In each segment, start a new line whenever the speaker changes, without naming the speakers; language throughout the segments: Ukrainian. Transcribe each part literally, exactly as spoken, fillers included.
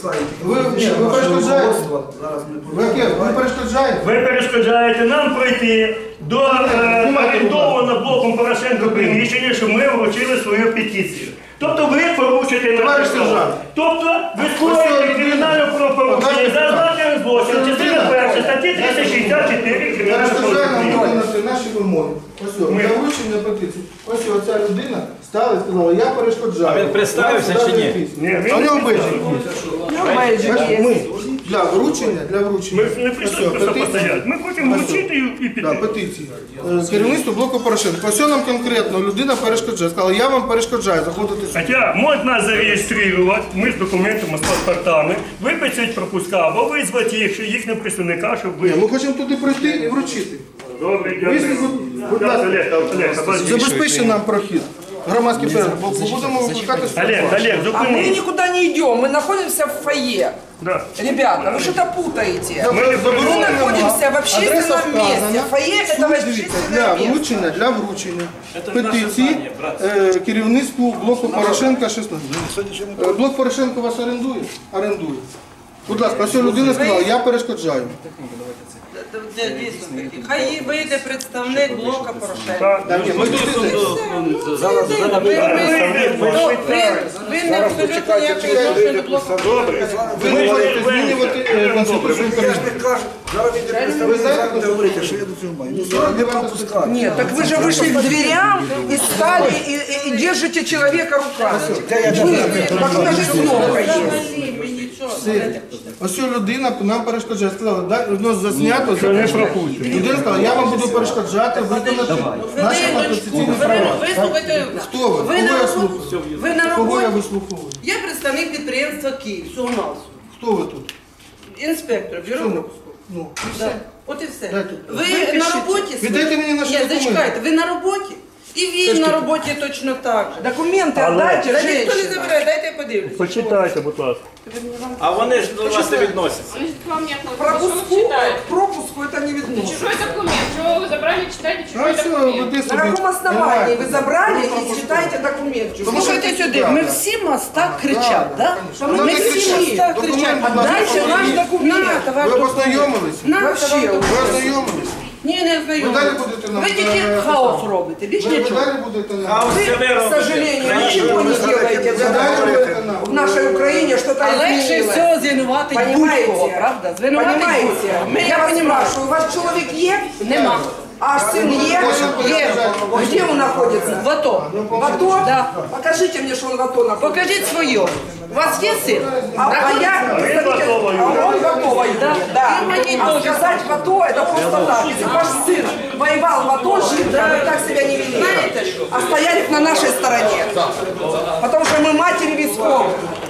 Ви, ні, ви перешкоджаєте? Ви, яке? Ви перешкоджаєте?
Ви перешкоджаєте нам пройти до е, орендованого блоком Порошенко приміщення, щоб ми вручили свою петицію. Тобто ви порушуєте наше право. Тобто ви скоїте кримінальне правопорушення за злочинним злочином. Частина перша статті триста шістдесят чотири кримінального
Перешкоджає нам
кодексу.
виконати наші вимоги. Ось, о, для вручення петиції. Ось оця людина стала і сказала, я перешкоджаю.
А він представився чи ні?
Ні,
А у
ви
нього бейджик. Ми для вручення, для вручення.
ми не прийшли
Ось,
просто
петиції.
постояти. Ми хочемо вручити і
Да,
піти.
петиції. Е, Керівництво блоку Порошенка. Ось нам конкретно людина перешкоджає. Сказала, я вам перешкоджаю заходити сюди.
Хоча можуть нас зареєструвати, ми з документами, з паспортами, виписати пропуска або визвати їх, їхнього представника, щоб
Ні,
ви...
ми хочемо туди прийти і вручити.
Добре,
Визвіть,
дякую.
будь ласка,
Олег, Олег, обожди.
забезпечте нам прохід. Громадський перегляд. Бо будемо викликати
Олег, Олег,
А мы
зупинись.
никуда не идем, мы находимся в фойе.
Да.
Ребята, вы что-то путаете.
Ми не
Мы
заборонено.
находимся в общественном месте. Фойе это
Для
общественное место.
вручення, для вручення петиції е, керівництву блоку Порошенка шістнадцять. Е, Блок Порошенко вас орендує? Орендує. Будь ласка, ось ця людина сказала, я перешкоджаю.
Хай вийде представник блока Порошенка.
Так.
Так, ні, ми тут
Зараз
Ви не абсолютно ніякої відношення до блока.
Добре.
ви не можете змінювати е, Конституцію України. Ви знаєте,
Ви говорите, що я до цього маю. Ну, зараз не пропускати.
Нет, так вы же вышли к дверям и стали и, и- и держите человека руками. Вы, так у нас же кнопка есть.
ось ця людина нам перешкоджає. Сказала, да, воно заснято,
Це не
записано.
пропустимо.
Людина сказала, я вам буду перешкоджати виконати наші конституційні права.
Вислухайте.
Хто ви?
Ви
Кого
на
я
роботі.
слухаю?
Ви на
Кого я
роботі.
вислуховую?
Я представник підприємства Київ, всього масу.
Хто ви тут?
Інспектор, бюро
Чому?
пропуску.
Ну,
Да. От і все.
Дайте.
Ви на роботі?
Віддайте мені наші
Ні,
документи.
зачекайте, ви на роботі? І він на роботі точно так же.
Документы
Але-
отдайте,
Та ніхто не
женщина.
забирає, дайте я подивлюсь.
Почитайте, будь ласка.
А вони ж до вас не відносяться.
Пропуску, к пропуску это не видно.
Чужой документ. Чего вы забрали, читайте
Ну,
чужой
все,
документ.
веди
На
собі.
каком основании вы забрали и читаете документ?
Слухайте сюди, ми всі моста кричать, так?
Вона
Ми
не
всі
кричить.
моста
Документ,
кричать.
будь ласка,
Дайте наш
покажіть.
документ. На, ваш
Ви
документ.
познайомилися?
На,
Вообще,
ваш
Ви
документ.
ознайомились?
Ні, не
Ви далі
знайомі.
будете нам...
Ви тільки
е,
хаос робите, більш
Ви ви
нічого.
далі будете нам...
А
Вы,
все ви
к
робите.
сожалению, ничего не делаете для того, чтобы в нашей Украине что-то
А легше
изменилось.
всього звинуватить
Понимаете?
будь-кого, правда? Звинуватить
Понимаете?
будь-кого.
Я вас спрашиваю, у вас человек есть?
Нема.
А сын есть?
Є.
Где он находится?
В АТО.
В АТО?
Да.
Покажите мне, что он в АТО находится.
Покажіть своє. У вас є син?
А, а я...
А він готовий.
А он готовый, да. да.
И мои
А
тоже.
сказать в АТО это просто так. Если ваш сын воевал в АТО, жив, да, вы так себя не вели.
Знаете что?
А стояли на нашей стороне. Потому что мы матери висков.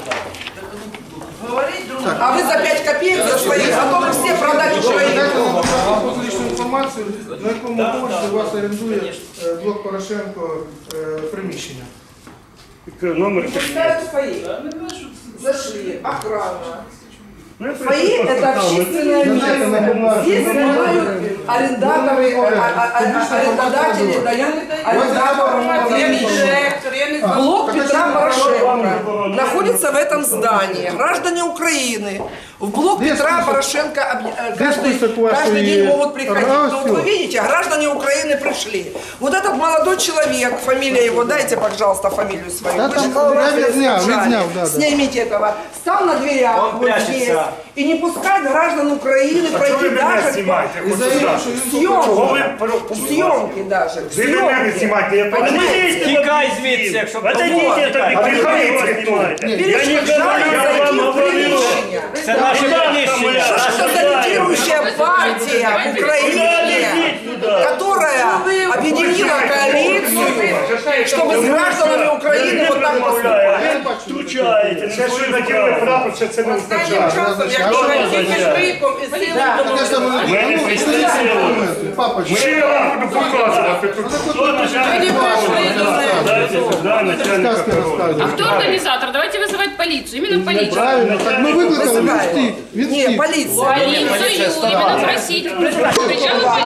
А вы за пять копеек за свои, готовы все продать Украину.
Дайте нам, будь ласка, публічну інформацію, на якому поверсі у вас орендує е, блок Порошенко е, приміщення.
Номер
Пускают свои. Зашли, охрана.
Ну,
Фойе – это общественное место. Здесь занимают арендаторы, а- а- а- арендодатели, дают арендаторам помещение.
Директор, я не знаю.
Блок Петра Порошенко находится в этом здании. Граждане Украины в блок
Где
Петра
список?
Порошенко объ- э, каждый,
список вашей-
каждый день могут приходить.
А,
Но вот
всё.
вы видите, граждане Украины пришли. Вот этот молодой человек, фамилия его, дайте, пожалуйста, фамилию свою.
Да
Вы
там,
же сказали,
я
что
відзняв,
задержали.
відзняв, да, да.
Снимите этого. Стал на дверях
Он
вот
прячется.
здесь. И не пускать граждан Украины
Чого
пройти
ви мене
даже
знімаєте?
І заявив, що він
Чого ви
съемки.
про-
Съемки даже.
Ви мене не
Съемки.
знімайте, я
Понимаете?
Тікай звідси, якщо
Отойдите, это
А
не
ви
його знімаєте. Я не
Перешкоджали
говорю, я
зайти
вам
в
говорю.
приміщення.
це наше приміщення.
Что за лидирующая партия в Украине, которая объединила коалицию, чтобы с гражданами Украины вот так поступать.
Втручаєте, не свої права.
прапор, що це не
Останнім часом,
Що
якщо
ви
ви тільки
означає?
швидком і силою
Таке саме
домовитися.
Ми не прийшли силою.
Папочка.
Що я вам буду показувати тут?
Хто начальник прокуратури? Дайте сюди начальника
Сказки
прокуратури.
А
розказують.
кто организатор? Давайте вызывать полицию. Именно полицию.
Правильно, так ми викликали, він
Вызываем.
втік. Він
Не,
втік.
полиция.
Полицию именно просить. Причем